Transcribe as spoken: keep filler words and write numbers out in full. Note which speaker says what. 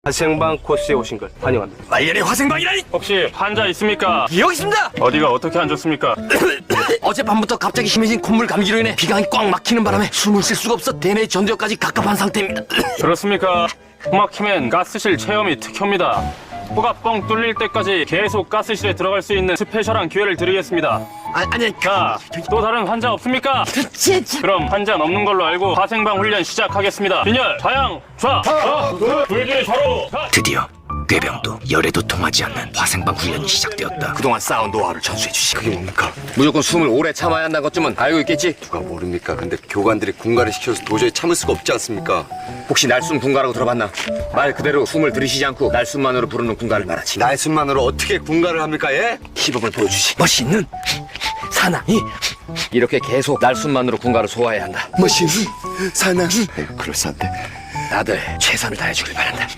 Speaker 1: 화생방 코스에 오신 걸 환영합니다.
Speaker 2: 말년의 화생방이라니!
Speaker 3: 혹시 환자 있습니까?
Speaker 2: 여기 있습니다!
Speaker 3: 어디가 어떻게 안 좋습니까?
Speaker 2: 어젯밤부터 갑자기 심해진 콧물 감기로 인해 비강이 꽉 막히는 바람에 숨을 쉴 수가 없어 대뇌 전두엽까지 갑갑한 상태입니다.
Speaker 3: 그렇습니까? 코 막히면 가스실 체험이 특효입니다. 코가 뻥 뚫릴 때까지 계속 가스실에 들어갈 수 있는 스페셜한 기회를 드리겠습니다.
Speaker 2: 아, 아니,
Speaker 3: 자, 또 다른 환자 없습니까? 그럼 환자 없는 걸로 알고 화생방 훈련 시작하겠습니다. 빈혈, 좌양, 좌, 좌, 불길 좌로, 좌.
Speaker 2: 드디어 꾀병도 열에도 통하지 않는 화생방 훈련이 시작되었다. 그동안 쌓은 노하우를 전수해 주시.
Speaker 1: 그게 뭡니까?
Speaker 2: 무조건 숨을 오래 참아야 한다는 것쯤은 알고 있겠지?
Speaker 1: 누가 모릅니까? 근데 교관들이 군가를 시켜서 도저히 참을 수가 없지 않습니까?
Speaker 2: 혹시 날숨 군가라고 들어봤나? 말 그대로 숨을 들이쉬지 않고 날숨만으로 부르는 군가를 말하지.
Speaker 1: 날숨만으로 어떻게 군가를 합니까? 예?
Speaker 2: 시범을 보여주시. 멋있는 사나이. 이렇게 계속 날숨만으로 군가를 소화해야 한다.
Speaker 1: 멋있는 사나이. 에이, 그럴싸한데.
Speaker 2: 다들 최선을 다해주길 바란다.